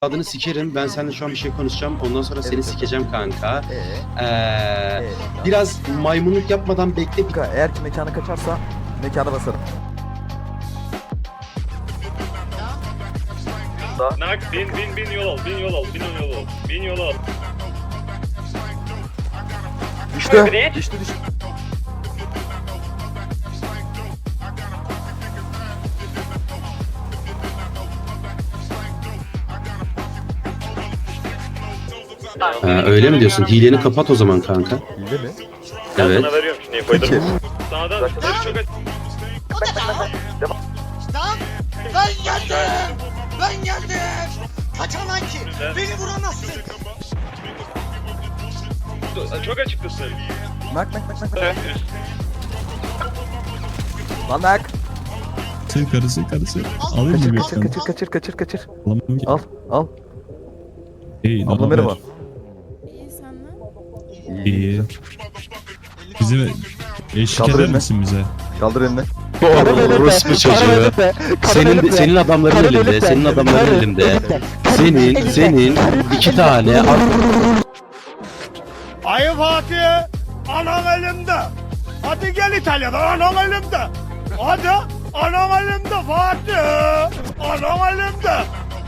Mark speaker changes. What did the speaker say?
Speaker 1: Adını sikerim. Ben seninle şu an bir şey konuşacağım. Ondan sonra seni sikeceğim kanka. Biraz maymunluk yapmadan bekle.
Speaker 2: Eğer ki mekana kaçarsa mekana basarım.
Speaker 3: Nak bin yol al, bin yol al, bin yol al.
Speaker 2: Düştü.
Speaker 1: Öyle mi diyorsun? Hileni kapat o zaman kanka.
Speaker 2: Hile mi?
Speaker 1: Evet.
Speaker 3: Sana veriyorum şimdi infoyu.
Speaker 2: Peki.
Speaker 3: Sağdan çok aç.
Speaker 4: Lan ben geldim. Ben geldim. Kaçamam ki. Beni vuramazsın.
Speaker 3: Çok açıktasın.
Speaker 2: Nak. Lan nak.
Speaker 5: Karısı. Alayım mı
Speaker 2: Kaçır.
Speaker 5: Alamam ki.
Speaker 2: Al.
Speaker 5: İyi,
Speaker 2: Abla merhaba.
Speaker 6: İyi senden.
Speaker 5: İyi. Bize eşlik
Speaker 2: Kaldır
Speaker 5: eder
Speaker 2: elini.
Speaker 5: misin bize?
Speaker 2: Kaldır elini.
Speaker 1: Orospu çocuğu. Senin adamların elinde. Senin adamların elinde. Senin iki tane
Speaker 7: Ayı Fatih, anam elimde. Hadi gel İtalya'da, anam elimde. Hadi, anam elimde Fatih. Anam elimde.